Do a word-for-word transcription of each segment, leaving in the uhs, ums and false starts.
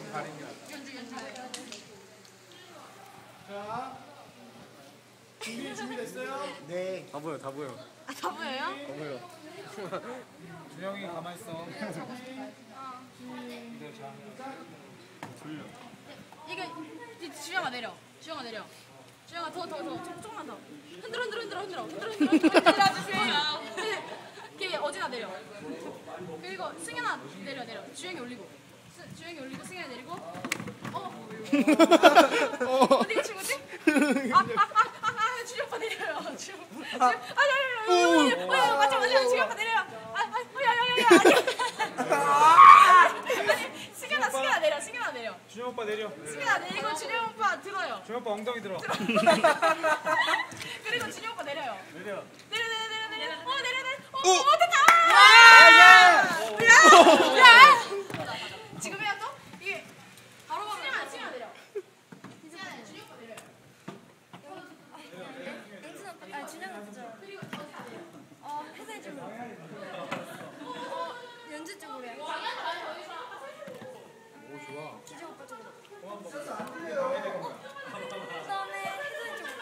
가리는 게 낫다. 자, 준비 준비됐어요? 네. 다 보여, 다 보여. 아, 다 보여요? 다 보여. 준영이 가만 있어. 어. 근데 자. 졸려. 이거 이 주영아 내려. 주영아 내려. 주영아 더 더 더 조금만 더. 흔들어 흔들어 흔들어 흔들어 흔들어 흔들어 흔들어 주세요. 걔 어진아 내려. 그리고 승현아 내려 내려. 주영이 올리고. 수, 주영이 올리고 승현이 내리고. 어. 어디가 친구지? 아아아아 주영 오빠 내려요. 주영. 아야야야. 어 맞아 맞아 주영 오빠 내려요. 아아야야야야. 아니 승현아 승현아 내려 승현아 내려. 준영 오빠 내려. 승현아 내리고 준영 오빠 들어요. 준영 오빠 엉덩이 들어. 그리고 준영 오빠 내려요. 내려. 내려 내려 내려 내려. 어 내려 내려. 어, 오! 어 됐다. 야! 야! 지금 해야 또? 이게 바로 바로. 승현아 승현아 내려. 승현아 준영 오빠 내려요. 앵진 오빠, 아 준영은 그죠? 그리고 저 다 내려. 어 회사에 쪽으로. 어 연주 쪽으로요. 오 좋아. 기재 오빠 쪽으로. 그다음에 회사에 쪽으로.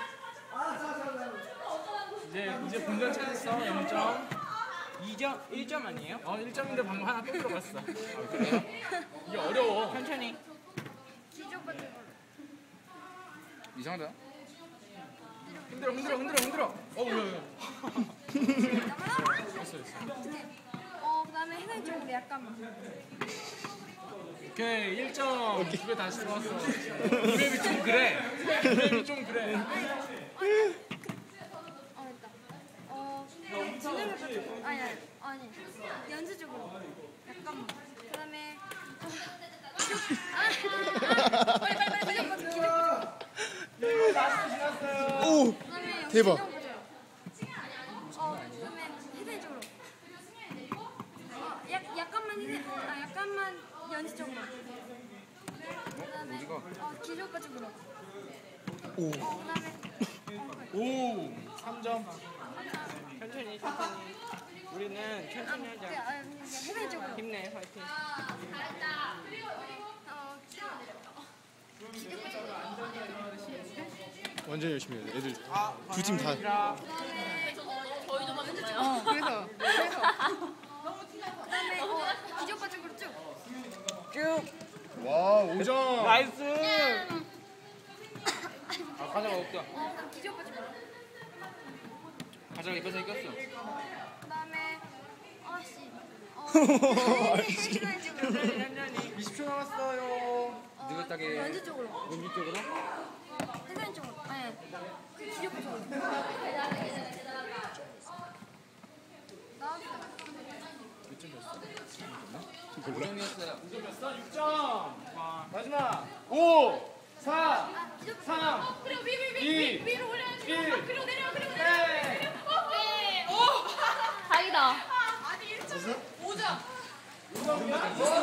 이제 이제 본전 찾았어. 영 점. 이 점 일 점 아니에요? 어 일 점인데 방금 하나 또 들어갔어. 아, 그래요? 이게 어려워. 천천히. 기재 오빠 쪽으로. 이상하다. 흔들어 흔들어 흔들어 흔들어. 어 뭐야 뭐야. 됐어 됐어. 어 그다음에 회사에 쪽으로 약간만. 오케이 일 점. 집에 다시 들어왔어. 이맵이 좀 그래. 이맵이 좀 그래. 어 됐다. 어 준영 오빠 쪽으로. 아니 아니 아니 연주 쪽으로. 약간만. 그다음에 아 빨리 빨리 빨리 빨리 오빠 쪽으로. 오! 그다음에 대박. 준영 오빠 쪽으로. 어 그다음에 회사에 쪽으로. 어 약 약간만 회사 아 약간만 연주 쪽으로. 그다음에 어 기재 오빠 쪽으로. 오. 어 그다음에 오 삼 점. 천천히 천천히. 우리는 천천히 그, 하자. 아, 그냥 회사에 쪽으로. 힘내 화이팅. 어 완전 열심히 해요. 애들 두 팀 다. 저희도 맞았나요? 어 그래서 그래서 그다음에 어 기재 오빠 쪽으로 쭉. 쭉. 와, 오 점. 나이스. 아 가자가 없다. 어 기재 오빠 쪽으로. 가자가 입에서 이겼어. 그다음에 아씨 어 회사에 쪽으로. 이십 초 남았어요. 어, 느긋하게. 연주 쪽으로. 연기 쪽으로. 회사에 쪽으로. 아니 그 기재 오빠 쪽으로. 나왔어. 고정이었어요. 육 점. 마지막. 오, 사, 삼, 그리고 위, 위, 위, 이, 위, 위로 올려야지. 일. 그리고 내려, 그리고 내려. 네. 오! 다행이다. 아니, 일 점. 오 점. 오 점이야?